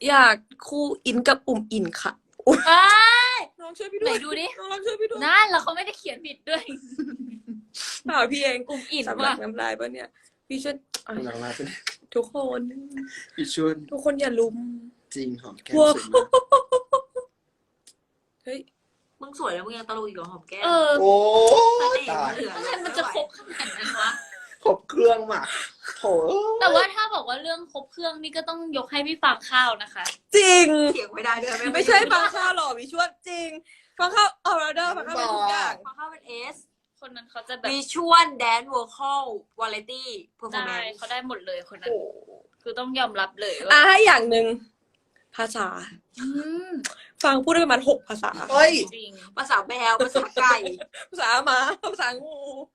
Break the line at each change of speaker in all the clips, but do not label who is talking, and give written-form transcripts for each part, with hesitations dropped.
อยากคู่อินกับอุ่มอินค่ะ
เอ้ย
น้องช่วยพี่ด้
ไหน
วย
ดูดิ
น้องช่วยพี่ด้วย
นั่นแล้วเขาไม่ได้เขียนผิดด้วย
เปล่าพี่เอง
อุ่มอิ่ม
สำลั
ว่ะ
กน้ำลายปะเนี่ยพี่ช่วย
กำลังลาเป็น
ทุกคน
พี่ชวน
ทุกคนอย่าลุม
จริงหอมแก้ม
ว้าว
สวยมาก
เฮ้ย
มึงสวยแล้วมึงยังตะลุยกับหอมแก้ม
เออ
โอ้
เสน่ห์
ตาย
เหลือ
ทำไมมันจะครบขนาดนั้นวะ
ครบเครื่องมากโถ
แต่ว่าถ้าบอกว่าเรื่องครบเครื่องนี่ก็ต้องยกให้พี่ฟางข้าวนะคะ
จริง
เถียงไม่ได้ด้วย
ไม่ใช่ฟังข้าวหรอพี่ช่วยจริงฟังข้าวออร์เดอร์ฟังข้าวเป็นทุกอย่าง
ฟังเข้าเป็นเอส
คนนั้นเขาจะแบบ
วิชวลแดนซ์วอลคอลวาไรตี้เพอร์ฟอร์แม
ได้
นซ์
เขาได้หมดเลยคนนั้น
โอ้
คือต้องยอมรับเลย
อ่ะ
ว่า
ให้อย่างหนึ่งภาษา
อืม
ฟังพูดได้ประมาณ6 ภาษา
เฮ้ย
จริง
ภาษาแมวภาษาไก่
ภาษาหมาภาษางู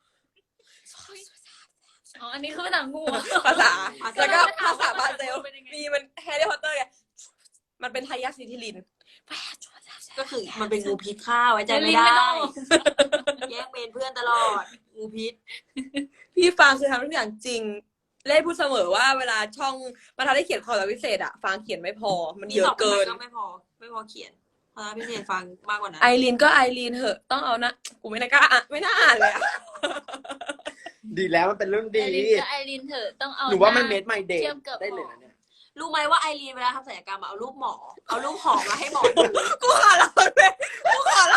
อ๋ออันนี้คือภาษางู
ภาษา แล้วก็
ภา
ภา
ษา
ษาบราซิล
เป็นยังไง
มีมันแฮร์รี่พอตเตอร์ไงมันเป็นทายาทซิทิลิน
ก็คือมันเป็นงูพิษข้าวไว้ใจไม่
ลิ้น
ได้
ไม่ต้อง
แย่งเมนเพื่อนตลอดงูพิษ
พี่ฟางคือทำทุกอย่างจริง เล่พูดเสมอว่าเวลาช่องมาทำได้เขียนคอร์สพิเศษอะฟางเขียนไม่พอ มันเยอะเกิน
ก็ไม่พอเขียนเพราะพิเศษฟังมากกว่านั้น
ไอรีนก็ไอรีนเหอะต้องเอานะกูไม่น่ากล้าอ่ะไม่น่าอ่านเลยอะ
ดีแล้วมันเป็นเรื่อง
ไอ
ดี
รินก็ไอรินเถอะต้องเอา
หนูว่ามัน
ห
เมดไมเดย์
เทียบกับ
ได้เลยนะเนี่ย
รู้ไหมว่าไอรีนเวลาทำศัลยกรรมเอารูปหมอ เอารูปหอมมาให้หมอดู
กูขอร้องเลยกูขอร้อง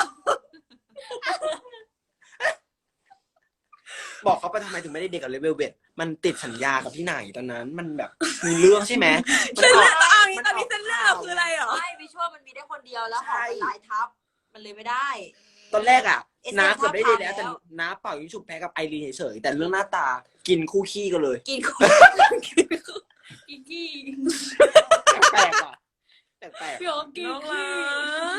บอกเขาไปทำไมถึงไม่ได้เด็กกับเลเวลเวทมันติดสัญญากับที่ไหนตอนนั้น มันแบบมีเรื่องใช่ไหม
เส้นเลือดเอาอย่างนี้ตอนนี้เส้นเลือดเราคืออะไรเหรอ
ไม่วิชวลมันมีได้คนเดียวแล้วหอมมันหลายทับ มันเลยไม่ได้
ตอนแรกอ่ะ
เอส
น้าเกือบได้เลยแล้ว
ทับ
แต่
แล้ว
น้าเป่ายิงฉุบแพ้กับไอรีนเฉยๆแต่เรื่องหน้าตากินคู่ขี้กันเลย
กินคน
อีกกี้
แปลกๆอ่ะแปลก
พี่โอ๊คกี้
น้องรัก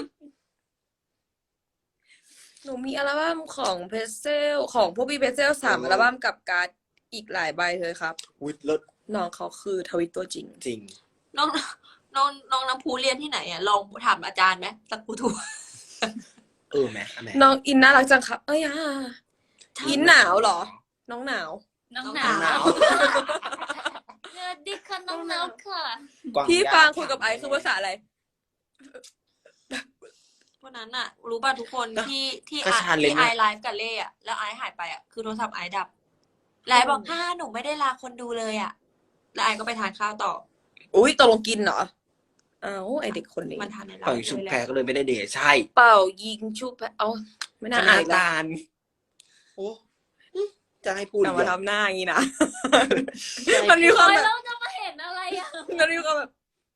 หนูมีอัลบั้มของเพรสเซลของพวกพี่เพรสเซล3 อัลบั้มกับการ์ดอีกหลายใบเลยครับ
ๆวิดเลิศ
น้องเขาคือทวิตตัวจริง
จริง
น้องน้ำพูเรียนที่ไหนอ่ะ ลองถามอาจารย์ไหมสักพูถูก
แม่
น้องอินน่ารักจังครับ เอ้ยอ่ะอินหนาวเหรอ น้องหนาว
น้อง
น้อง
ห
หนาน
าว วสวัสดีค่ะน้องหนาวค่ะ
กวาง
พี่
ยา
ฟางคุยกับไอซ์คือภาษาอะไร
เพราะนั้นอ่ะ รู้ป่ะทุกคนที่ที่
ก็ชาเลนจ์
ไอ
นะ
ไลฟ์กับเล่อะแล้วไอหายไปอ่ะคือโทรศัพท์ไอดับไลฟ์บอกหนูไม่ได้ลาคนดูเลยอ่ะแล้วไอก็ไปทานข้าวต่อ
อุ้ยตกลงกินเหรออ้าวไอเด็กคนนี้
มันทานในไล
เป่ายิง
ฟ์
ฉุบ
เลยแห
แพ้
ละ
ก็เลยไม่ได้เดทใช่
เป่ายิงชุบแพเอาไม่น่า
จะ
อ่าน
น้ำ
เลย
ตาลโอ้จะให้พูด
แต่
อีก
มา
เหรอ
ทำหน้าอย่างนี้นะ
ใช่
มันมีความ
โอ้ย
แบบ
เราจะมาเห็นอะไรอ่ะ
มันมีความแบบ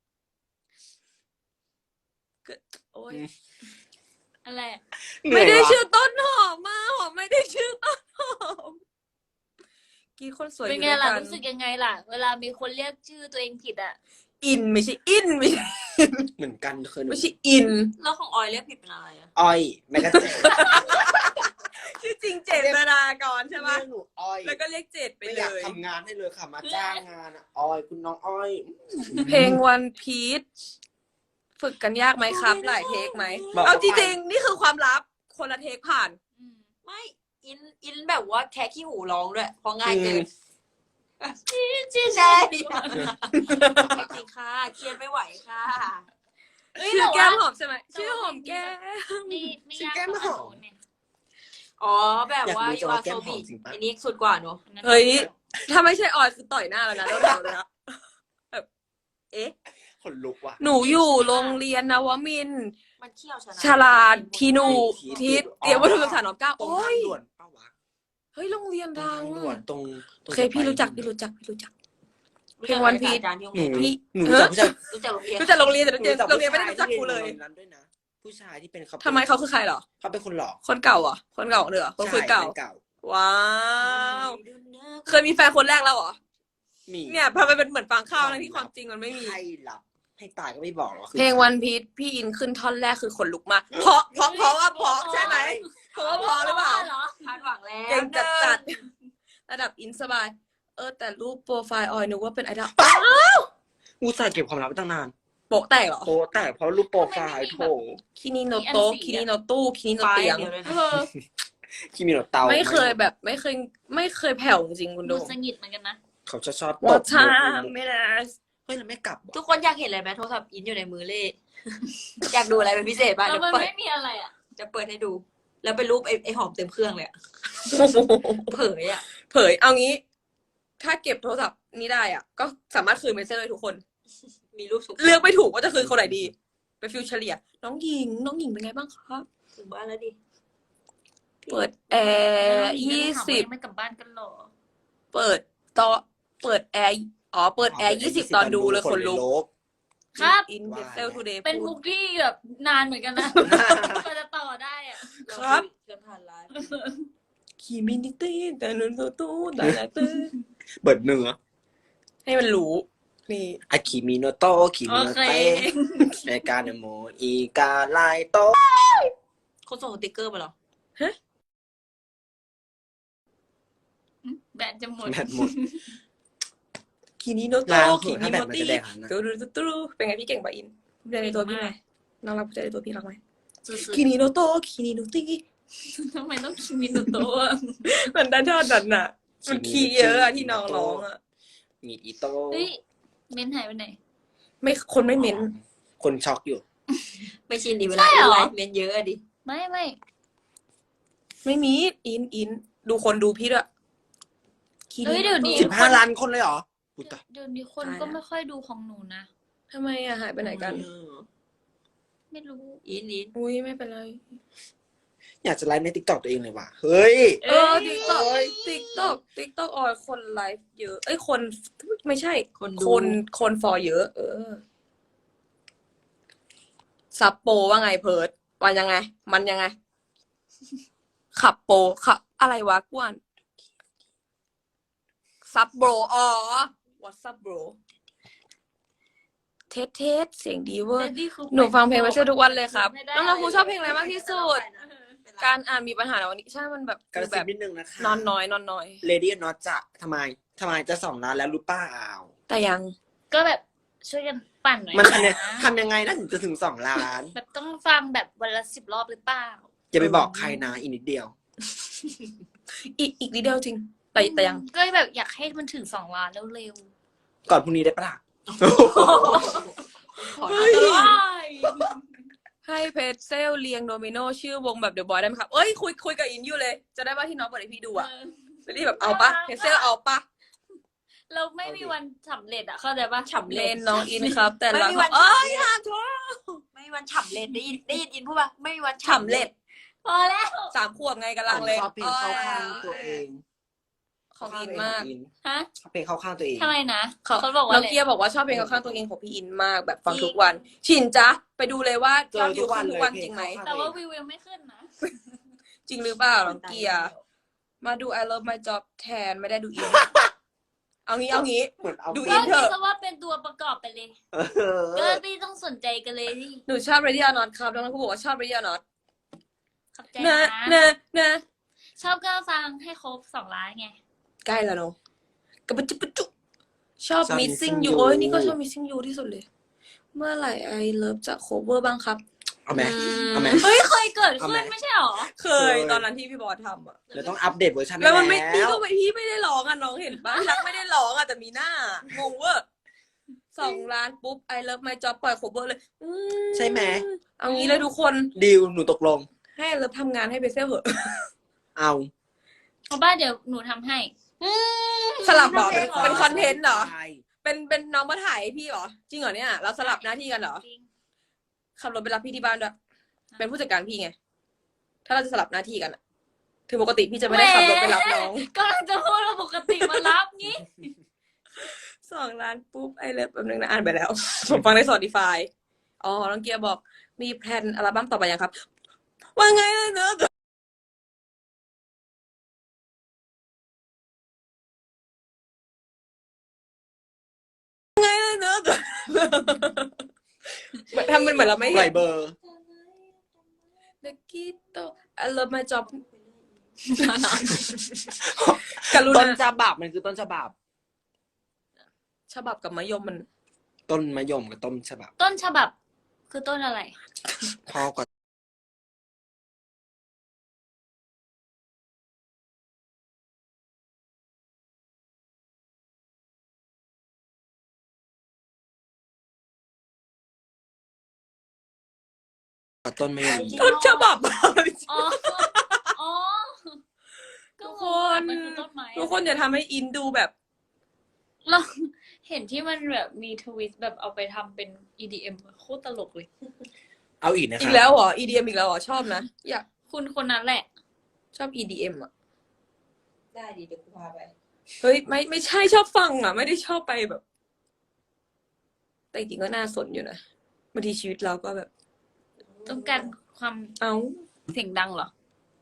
โอ้ย
อะไร
ไม่ได้ชื่อต้นหอมมาหอมไม่ได้ชื่อต้นหอมกี่คนสวย
เป็น
อยู่
ไง
ด้วย
ล่ะ
กัน
รู้สึกยังไงล่ะ เวลามีคนเรียกชื่อตัวเองผิดอ่ะ
อินไม่ใช่อินไม่ใช่
เหมือนกันเคยหนู
ไม่ใช่อิน
แล้วของออยเรียกผิดเป็นอะไรอ่ะ
อ้อยแมกกาเจน
ชื่อจริงเจตนากรใช่ไหม
เรียกหนูอ้อย
แล้วก็เรียกเจตไป
ไม่
เล
อยาก
ย
ทำงานให้เลยค่ะมาจ้างงานอ่ะอ้อยคุณน้องอ้อย
เพลงวันพีชฝึกกันยากไหมครับ หลายเทคไหม
บอก
เอาจริงๆนี่คือความลับคนละเทคผ่าน
อืม
ไม่อินแบบว่าแค่ขี้หูร้องด้วยเพราะง่ายเกิน
ชื่อ
ใช่จริงค่ะเครียดไม่ไหวค่ะ
เฮ้ย
ชื่อ
แต่
แก้
ว่าม
หอมใช่ไหมชื่อหอมแก้ม
ไม่ยาก
ชื่อแก้มหอม
เนี่ย
อ๋อแบบว่า
อยากรู้
ยูอา
จะว่าแก้
โซ
มหอ
บิ
มจริงปะ
อันนี้สุดกว่าเนอะ
เฮ้ย ถ้าไม่ใช่ออยคือต่อยหน้าแล้วนะแล้วเดี๋ยวเลยนะแบบเอ๊ะ
ขนลุกว่ะ
หนูอยู่โรงเรียนนวมินทร์
มันเขี้ยวชนะ
ฉลาดทีหนูทิศเตรียมวัตถุศึกษาหนอมเก้า
ตรง
โอ้
ทาง
ย
ด่วนเป้าวะ
เฮ้ยโรงเรียน
ตรง
ดั
ทาง งด่วนตรง
โอเคพี่รู้จักพี่รู้จักพี่รู้จัก
รู้
เพล
จัก
งวันพีช
อาจารย์ที่โรง
หนู
เรียน
พี่
หนูรู้จักผู้ชาย
รู้จักโรงเรียน
รู้จักโรงเรียนแต่
หนูรู้จัก
โรงเรียนไม่ได้รู้จักครูเลย
ผู้ชาที่รีนโรงรีนนั้นด้วยนะผู้ชายที่เป็นเขา
ทำไมเขาคือใครเหรอ
เขาเป็นคนหล่อ
คนเก่าเหรอคนเก่าเหรอคนคุยเก่า
ใช่ป็นเก่า
ว้าว เคยมีแฟนคนแรกแล้วเหรอ
มี
เนี่ยพอมันเป็นเหมือนฟังข้าวทั้งที่ความจริงมันไม่มี
ให้หลับให้ตายก็ไม่บอกหรอกคือ
เพลงวันพีชพี่อินขึ้นท่อนแรกคือขนลุกมากเพราะว่าเพราะใช่ไหมเพราะว่าเพราะหรือเปล่า
เหรอ
คาดหวังแล้ว
เก่งจัดระดับอินสบาย แต่รูปโปรไฟล์ออยนึกว่าเป็นไอดอล
อุตส่าห์เก็บความลับไว้ตั้งนาน
โปะแตกเหรอ
โอ้แต่เพราะรูปโปรไฟล์โถ
คินิโนโตะคินิโนตู้คินิโน
ไฟ
เตียง
เดียวเลย
เอ
นะ
อ
ที่มีหนวดเตา
ไม่เคยแบบไม่เคยแผ่วจริงๆคุณ
ดู
ดู
สงิดเหมือนกันนะ
เขาจะชอบต
What
บ
time it is
เฮ้ยเราไม่กลับ
ทุกคนอยากเห็นอะไรไหมโทรศัพท์อินอยู่ในมือเล่ อยากดูอะไรเป็นพิเศษบ้าง
แล้ว
เดี๋ยว
มัน
เปิด
ไม่มีอะไรอ่ะ
จะเปิดให้ดู แล้วเป็นรูปไอ้หอมเต็มเครื่องเลยอะเผยอะ
เผยเอางี้ ถ้าเก็บโทรศัพท์นี้ได้อ่ะ ก็สามารถคืนเมสเซจเลยทุกคน
มีรูปสุก
เลือกไม่ถูกว่าจะคืนคนไหนดี ไปฟิวเฉลี่ย น้องหญิงเป็นไงบ้างครับ
ถึงบ้านแล้วดิ
เปิดแอร์20
ไม่กลับบ้านกันหรอ
เปิดเปิดแอร์เปิดแอร์20 ตอนดูเลยคนลุก
ครับ
อินเดเซลทูเดย์
เป็นมุกที่แบบนานเหมือนกันนะก็จะต่อได้อ่ะ
ครับ
เชิญผ่านไลฟ์
คีมินิตี้แต่นุนตู้แต่ละตื้อ
เปิดเนื้อ
ให้มันรู้ นี่
อาคิมิโนโตะคิมิโน
โอเค
เตะในการโมอีกาไลโตะ
คนส่งสติกเกอร์มาเหรอ
แบตจะหมด
แบตหมด
คีนิโนโต
ล้าง
คี
ถ้า
นิ
แบ
โน
ตมัน
ตี้
จะแดงนะ
ตู้เป็นไงพี่เก่งป่ะอินภูมิใจในตัวพี่ไหมน้องรักภูมิใจในตัวพี่รักไหม
สุด
คีนิโนโตคีนิโนตี้
ๆทำไมต้องคิมิโนโตะ
มันด้านชอบดันน่ะ มันคีย์เยอะอะที่น้องร้องอะ
มีอีโตะ
เฮ้ยเม้นหายไปไหน
ไม่คนไม่เม้น
คนช็อกอยู่
ไม่ชินดิเวลา
ใช่เหรอ
ไลฟ์เมนเยอะอะดิ
ไม่
ไม่มีอินดูคนดูพี่ด้วยคีนิ
เฮ้ยเดี๋ยวนี้
15 ล้านคนเลยเหรออุ๊ยตาย
เดี๋ยวนี้คนก็ไม่ค่อยดูของหนูนะ
ทำไมอะหายไปไหนกัน
ไม่รู้
อิน
อุ้ยไม่เป็นไร
อยากจะไลฟ์ในติ๊กต็อกตัวเองเลยว่ะ เฮ้ย
ติ๊กต็อกออยคนไลฟ์เยอะ เอ้ยคนไม่ใช่
คนดู
คนฟอเยอะ ซับโปรว่าไงเพิร์ดวันยังไง มันยังไง ขับโปรขับอะไรวะกวนซับโบรวัดซับโบรเทสเสียงดีเวอร์ หนูฟังเพลงไวเซอร์ทุกวันเลยครับ น้องๆครูชอบเพลงอะไรมากที่สุด การอ่านมีปัญหาในวันนี้ใช่มันแบบ
กระ
แบ
ซิบบ นิดนึงนะคะ
นอนน้อย
เลดี้น็อตจะทำไมจะ2 ล้านแล้วรู้ป้าอ้าว
แต่ยัง
ก็แบบช่วยกันปั่นหน่อย
มัน
นะ
ทำยังไงนะถึงจะถึง2 ล้าน
แบบต้องฟังแบบวันละ10 รอบหรือเปล่า
อย่าไปบอกใครนะอีกนิดเดียว
อีกนิดเดียวจริง แต่ยัง
ก็แบบอยากให้มันถึง2 ล้านเร็ว
ก่อนพรุ่งนี้ได้ปะล่ะ
ๆขอได้
ให้เพจเซลเรียงโดมิโนชื่อวงแบบเดอะบอยได้ไหมครับ เอ้ยคุยกับอินอยู่เลย จะได้ว่าที่น้องเปิดให้พี่ดูอะจะได้แบบเอาปะเพจเซลเอาปะ
เราไม่มีวันสำเร็จอะเข้าใจปะ
ฉ่ำ
เล
เล่
น
น
น้องอินครับ แต่
ไม่
ละ
มีวัน
เอ้ย
ฉ่ำเล่น
ห้ามโทษ
ไม่มีวันฉ่ำเล่นได้ยินอินพูดป่ะไม่มีวัน
ฉ่ำเล็ด
พอแล้ว
3 ขวบไงกำลังเลย
ชอบเพลงเข้าข้างตัวเอง
ของอินมาก
ฮะ
ชอบเพลงเข้าข้างตัวเอง
ทำไมนะ
เขา
เขาบอกว่า
น้
อะ
อง
ไร
เกียร์บอกว่าชอบเพลงข้างๆตัวเองของพี่อินมากแบบฟังทุกวัน ชินจ๊ะไปดูเลยว่า
เจ
ยอ
อ
ด
ทุ
วิว
กวั
ขึ้
น
น
เล
ทุ
ย
กวัน
เพล
จริ
ง
งไหม
เข้าข้าง
แต่
ตัว
ว่า
เอง
วิวยังไม่ขึ้นนะ
จริงหรือเปล่าน้องเกียร์มาดู I love my job แทนไม่ได้ดูอิน เอางี้
เหมือนเอา
ดู
ก็
อินเถ
คิด
อะ
ซะว่าเป็นตัวประกอบไปเลย
เอ
ก็
อ
ไม่ต้องสนใจกันเลยที่
หนูชอบ Ready or Not ครับน้องๆผู้บอกว่าชอบ Ready or Not
ขอบใจ
นะ
นะ
นะ
ชอบก็ฟังให้ครบ2 ล้านไง
ใกล้แล้วเนาะกระปุจุจุชอบ
ชอบ
Missing
Missing
You
You
โอ้ยนี่ก็ชอบ Missing You ที่สุดเลย เมื่อไหร่ I love จะ cover บ้างครับ
เอาไหมเอาไหม
เฮ้ยเคยเกิด
เอา
ขึ้
ไหม
นไม่ใช่หรอ
เคยตอนนั้นที่พี่บอสทำอะ
เดี๋ยวต้องอัปเดตเวอร์ชัน
แล้วมันไม่
ให้
พี่ก็ไม่พี่ไม่ได้ร้องอ่ะน้องเห็นปะพี่รักไม่ได้ร้องอ่ะแต่มีหน้างงเวอร์2 ล้านปุ๊บ I love my job ปล่อย cover เลย
ใช่ไหม
เอางี้เลยทุกคน
ดีลหนูตกลง
ให้ I love ทำงานให้เบเซลเหอะ
เอา
เอาบ้านเดี๋ยวหนูทำให้
สลับเหรอเป็นคอนเทนต์เหรอ
ใช่
เป็นน้องมาถ่ายให้พี่เหรอ จริงเหรอเนี่ย เราสลับหน้าที่กันเหรอ
จริง
ขับรถไปรับพี่ที่บ้านด้วย เป็นผู้จัดการพี่ไง ถ้าเราจะสลับหน้าที่กันอะถึงปกติพี่จะไม่ได้ขับรถไปรับน้อง
กำลังจะพูดว่าปกติมารับงี้
2 ล้านปุ๊บไอเลิฟแบบนึงนะอ่านไปแล้ว ผมฟังใน Spotify อ๋อน้องเกียร์บอกมีแพลนอัลบั้มต่อไปยังครับ ว่าไงนะเนอะไงนะเนอะทำเป็นเหมือนเราไม่
ปล่
เห็
อน ยเบอร์
เด็กกี้โต I love my job กรุ
ต้น
ณา
ฉบับมันคือต้นฉบับ
ฉบับกับมะยมมัน
ต้นมะยมกับต้นฉบับ
ต้นฉบับคือต้นอะไร
พ่อก่อนต้นไม่มี
ต้นฉบับ
อ๋อ อ๋อ ก็
ทุก
ง
ค
ง
น
มันคือต้นไม้
ทุกคนอย่าทำให้อินดูแบบ
เราเห็นที่มันแบบมีทวิสต์แบบเอาไปทำเป็น EDM โคตรตลกเลย
เอาอีกนะ
อี
คะ
กแล้วเหรอ EDM อีกแล้วเหรอ ชอบนะ อยาก
คุณคนนั้นแหละ
ชอบ EDM อ่ะ
ได้ดีเดี๋ยวกูพาไป
เฮ้ย ไม่ใช่ชอบฟังอ่ะ ไม่ได้ชอบไปแบบ แต่จริงๆก็น่าสนอยู่นะบางทีชีวิตเราก็แบบ
ต้องการความ
เอ้า
เสียงดังเหรอ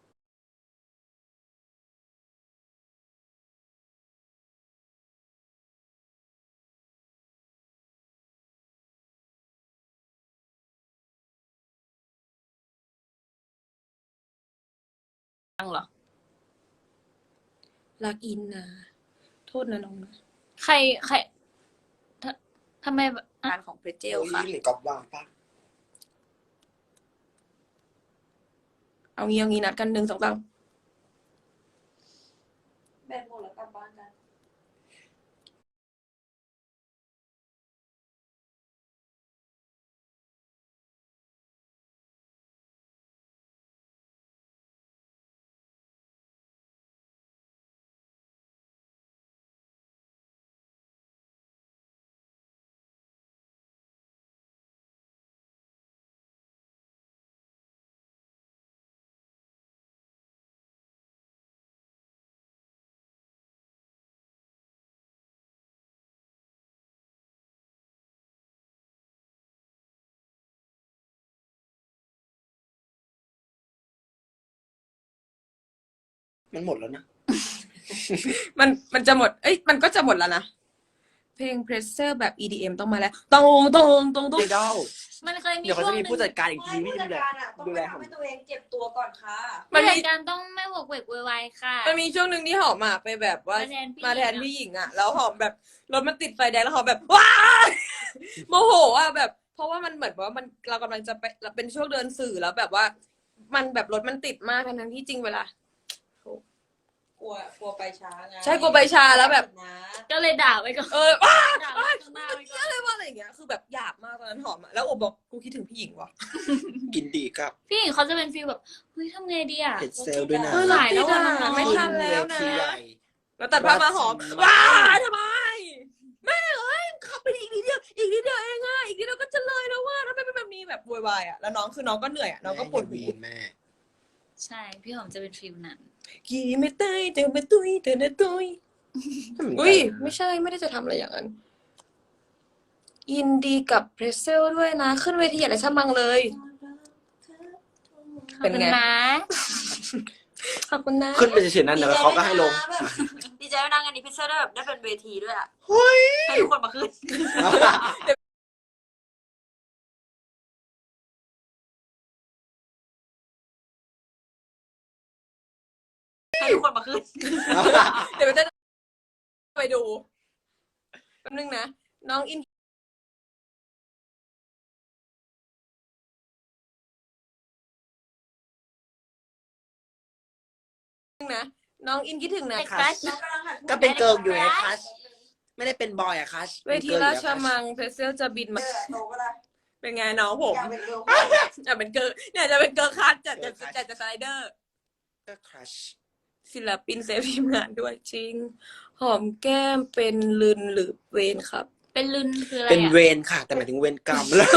ดังเหรอ
รักอินนะโทษนะน้องนะ
ใครทำไมแบบ
งานของเพรเจล
โอ้ย
ค่ะ
หรือกอบวางปะ
เอางี้นัดกัน1 2 3
แบตหมดแล้วกลับบ้านกัน
มันหมดแล้วนะ
มันจะหมด เอ้ย มันก็จะหมดแล้วนะ เพลงเพรสเซอร์แบบ EDM ต้องมาแล้วตรง
เดดอล
มันเคยมี
เดี๋ยวเขา
ช่ว
จะ
ง
มี
หนึ่
ผู้
ง
จัดการอีกที
ผู้
ที่
จั
ดู
ด
แล
การอ่ะต้อง
ดู
ไป
แล
ทำให้ตัวเองเจ็บตัวก่อนค่ะ
มัน
ผู้
มี
จัดการต้องไม่หวกเวกโวยวายค่ะ
มันมีช่วงหนึ่งที่หอมอ่ะไปแบบว่า
มาแทนพี่
พี่หญิงอ่ะ แล้วหอมแบบรถมันติดไฟแดงแล้วหอมแบบว้าย โมโหอ่ะแบบ เพราะว่ามันเหมือนว่ามันเรากำลังจะไปเป็นช่วงเดินสื่อแล้วแบบว่า มันแบบรถมันติดมากทั้งที่จริงเวลา
กลัวไปช้าไง
ใช่กลัวไปช้าแล้วแบบ
นะ
ก็เลยด่าไว้ก่อน
ว้า
ด่าไว้ข้างหน้าไว้ก่อน
อะไรวะอะไรอย่างเงี้ยคือแบบหยาบมากตอนนั้นหอมอ่ะแล้วโอบบอกกูคิดถึงพี่หญิงว่ะ
กินดีกับ
พี่หญิงเขาจะเป็นฟีลแบบเฮ้ยทำไงดีอ่ะ
เห็ดเซลด้วยนะ
หลายแล้วอะ
ไม่ทันแล้วนะ
เวทีใหญ่
แล้วตัดภาพมาหอม
รัก
ว้า
ฉัน
ทำไมแม่เอ้ยขับไปอีกนิดเดียวอีกนิดเดียวเองอ่ะอีกนิดเดียวก็จะเลยแล้วว่าทำไมเป็นแบบนี้แบบโวยวายอ่ะแล้วน้องคือน้องก็เหนื่อยอ่ะน้องก็ปวดหัว
แม่
ใช่ พี่หอมจะเป็นฟีลนั้น
กี่ไม่เตยเธอไม่ตุยเธอนะตุยอุ้ยไม่ใช่ไม่ได้จะทำอะไรอย่างนั้นยินดีกับเพรสเซลด้วยนะ ขึ้นเวทีอะไรช่างมังเลย เป็นไง
ขอบคุณนะ
ขอบคุณนะ
ขึ้นไปเฉยๆนั่นแล้วเขาก็ให้ลง
ดีใจด้วยนะงานนี้พิเศษได้แบบได้เป็นเวทีด้วยอ่ะ
เฮ้ย
ให้ทุกคนมาขึ้นให้ทุกคนมาขึ้น
เดี๋ยวจะไปดูแป๊บนึงนะน้องอินนะน้องอินคิดถึงนะ
ไอ้
คะ
ครัช
ก็เป็นเกิร์ลอยู่ไงคัชไม่ได้เป็นบอยอะคัช
เวทีราชมังเพรสเซลจะบินมา
โตก็ได้
เป็นไงน้องผม
อยากเป็นเกิร์ล
จะเป็นเกิร์ลเนี่ยจะเป็นเกิร์ลคัทจะสไลเดอร์
ก็คัช
ศิลปินเซฟทีมงานด้วยจริง หอมแก้มเป็นลืนหรือเวนครับ
เป็นลืนคืออะไร
เป็นเว
อ่ะ
รค่ะ แต่หมายถึงเวรกรรมแล้ว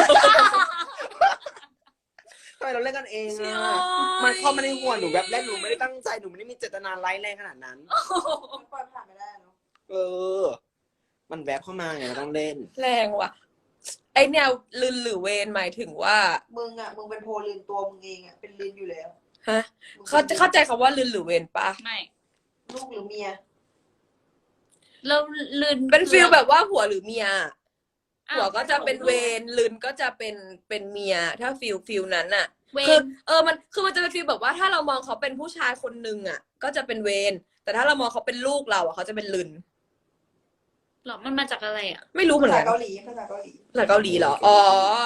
ทำไมเราเล่นกันเองอะมันเข้ามาในหัวหนูแบบแรกหนูไม่ได้ตั้งใจหนูไม่ได้มีเจตนาร้ายแรงขนาดนั้น
มันปล่อยผ่านไม่ได้เนาะ
เออ มันแวบเข้ามาไงเราต้องเล่น
แรงว่ะ ไอแนวลืนหรือเวนหมายถึงว่า
มึงเป็นโพลินตัวมึงเองอ่ะเป็นลินอยู่แล้ว
ฮะเข้าใจคำว่าลืนหรือเวนปะ
ไม่
ลูกหรือเมีย
แล้วลืน
เป็นฟีลแบบว่าผัวหรือเมีย
อ้า
ผัวก็จะเป็นเวนลืนก็จะเป็นเมีย ถ้าฟีลนั้นน่ะ
เว
คือน มันจะเป็นฟีลแบบว่าถ้าเรามองเขาเป็นผู้ชายคนนึงอ่ะ ก็จะเป็นเวน แต่ถ้าเรามองเขาเป็นลูกเราอ่ะเขาจะเป็นลืน
หรอมันมาจากอะไรอ่ะ
ไม่รู้เหมือน
ภา
กั
ษาน เกาหลีภาษาเกาหลี
ภาษาเกาหลีเหรอ อ๋อ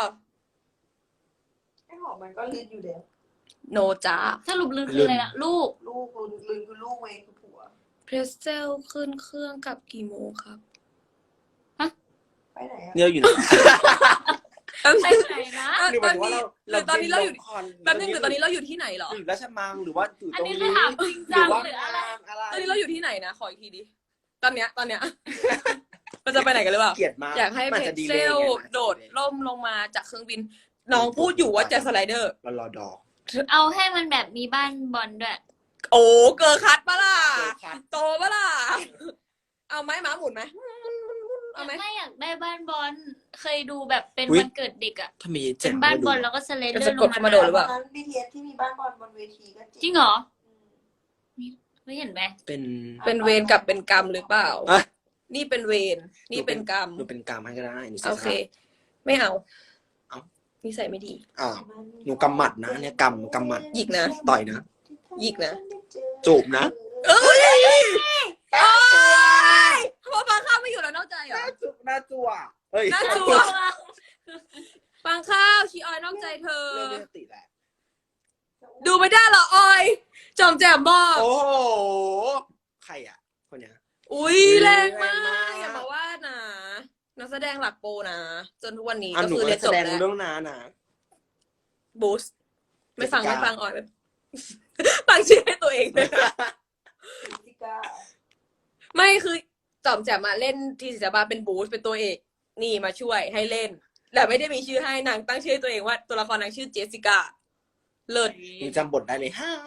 ไอ้หอมมันก็ลินอยู่แล้ว
โนจ้า
สรุปลืนคืออะไรล่ะ ลูก
ลูกลินคือลูกเองคือผัว
เพรสเซลขึ้นเครื่องกลับกี่โมงครับ
ไปไหนอ่ะ
เนี่ยอยู่ไหน
ไปไหนนะ
หรือหมายถึงว่าเรา
ตอนนี้เราอยู่
คอน
แป๊บนึงหรือตอนนี้เราอยู่ที่ไหนเหรอ
หรือราชมังหรือว่าอยู่
อั
ต
น
รง
นี้
นี้
คือถามจริง
ห
จั
รื
ง
อว่า
หรืออะไร
อะไร
ตอนนี้เราอยู่ที่ไหนนะขออีกทีดิตอนเนี้ยเราจะไปไหนกันหรือเปล่า
เกลียดมาก
อยากให้
มัน
เพ
จะ
จ
ดี
เซ
เลย
ล
ไง
โดดร่มลงมาจากเครื่องบิน น้องพูดอยู่ว่าจะสไลเดอร์
เรารอดอก
เอาให้มันแบบมีบ้านบอลด้วย
โอ้เกอร์คัดปะล่ะ
เกอร์คัท
โตปะล่ะเอาไหมหมาหมุนไหมเอาไหม
ไม่อยากได้บ้านบอล เคยดูแบบเป็น
อุ๊ย
วันเกิดเด็กอะ
ถ้ามี
เป็
เจ๋ง
นบ้านบอลแล้วก็สไลเดอ
จะ
ร์
ก
ล
ด
ง
เข้า
มา
มาโดดหรือเปล่า
ตอนนั้น BTS ที่มีบ้านบอลบนเวทีก็
จริงเหรอ
อืม
ไม่เห็นไหม
เป็น
เป็นเวรกับเป็นกรรมหรือเปล่า
อ่ะ
นี่เป็นเวรนี่เป็นกรรม
หนูเป็นกรรมให้ก็ได้หนู
โอเค ไม่เอา
เอา
นิสัยไม่ดี
อ้าวหนูกำหมัดนะเนี่ยกำหมัด
หยิกนะ
ต่อยนะ
หยิกนะ
จูบนะ
เอ้ยโอ๊ยเพราะฟังข้าวไม่อยู่แล้วนอกใจเหรอ
หน้าจั่วเฮ้ย
หน้าจั่ว ฟังข้าวชีออยนอกใจเธอ
เรื่องนี้สติแหละ
ดูไม่ได้เหรอออย จอมแจมบอก
โอ้โหใครอ่ะคนเนี้ย
อุ้ยแรงมา
แรงมาก
ก อย่ามาว่านะนักแสดงหลักโปรนะ จนทุกวันนี้
อ่ะ
ก็
หนู
คือ
ก็
เรียน
แส
จบ
ดง
แล้ว
เรื่องน้านะ
บูสไม่ฟัง
เจสสิก้า
ไม่ฟังออยแบบตั้งชื่อให้ตัวเองเลย
ซิก้า
ไม่คือจอมแจมมาเล่นทีศิลปะเป็นบูสเป็นตัวเอกนี่มาช่วยให้เล่น แต่ไม่ได้มีชื่อให้นางตั้งชื่อให้ตัวเองว่าตัวละครนางชื่อเจสสิก้าเลิศ
หนูจำบทได้เลยฮ่า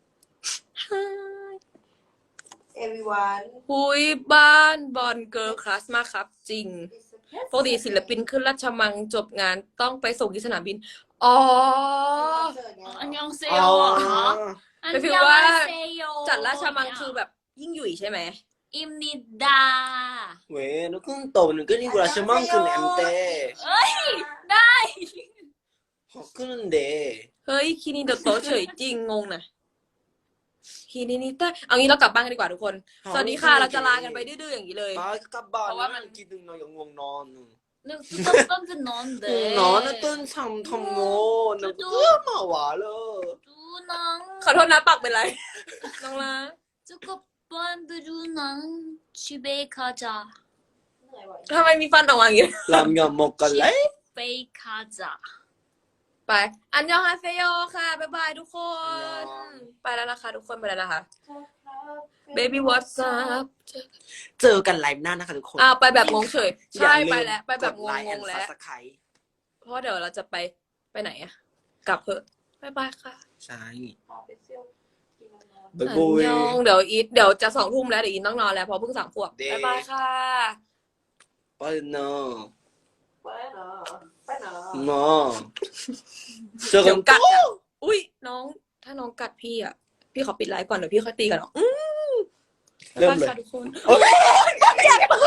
เอวิวัน
หุยบ้านบอลเกิร์ลคลาสมากครับ จริงปกติศิลปินขึ้นราชมังจบงานต้องไปส่งที่สนามบิน อ๋อ
อันยองเซ
อ๋
โย
อ
เหรออัน
เป็นฟีล
ยอง
ว่า
เซโย
จัดราชมังคือแบบยิ่งหยุ่ยใช่ไหม
อิมนิดา
เว้ยหนูขึ้นโตหนูก็นี่กุลาชมังขึ้นแอมเต้
เอ้ย ได้
ขอขึ้นเด
เฮ้ยคินิโดโตะเฉยจริงงงนะคินินิต้าเอางี้เรากลับบ้านกันดีกว่าทุกคน สวัสดีค่ะ เราจะลากันไปดื้อๆอย่างนี้เลย
ป้ากับบ้าน
เพราะว่ามัน
กินดึงนอนอย่างง่วงนอน
นึกต้นจะนอนเด้
นอนนะต้นทำโง่หนูก็มาหวาเลย
ดูนัง
ขอโทษนะปากเป็นไร น้องลา
จะกบบ้านไปดูหนังชิเบคาจา
เหนื่อยว่ะ
ทำไมมีฟันออกมาอย่างนี้
ลำยำหมกกันเลย
เบคาจา
ไป อันยองฮาเซโยค่ะ บ๊ายบายทุกคน ไปแล้วนะคะทุกคนไปแล้วนะคะ Baby What's up
เจอกันไลฟ์หน้านะคะทุกคน
ไปแบบงงเฉย
อย่า
ใช่
ลืม
ไปแล้ว ไปแบบง
กดไลค์
งๆ
and
แล้ว
Subscribe
เพราะเดี๋ยวเราจะไปไหนอะกลับเถอะบ๊ายบายค่ะ
ใช่
พาไปเที่ยวกินนอน
บ๊าย
อั
บาน ย
ยองเดี๋ยวจะ2 ทุ่มแล้วเดี๋ยวอีทต้องนอนแล้วเพราะเพิ่ง3 ขวบ
เด้
บ๊ายบายค่ะ
ไปเนาะ
ไปเนาะไปเนาะ
เนาะเจอกั
เดี๋
น
ยวกัดอะอุ้ยน้องถ้าน้องกัดพี่อะพี่ขอปิดไลฟ์ก่อนเดี๋ยวพี่ค่อยตีกันเนาะ
เริ่มเลย
บ๊ายบายค่ะทุกคน
โอ๊ย
อยากเปิ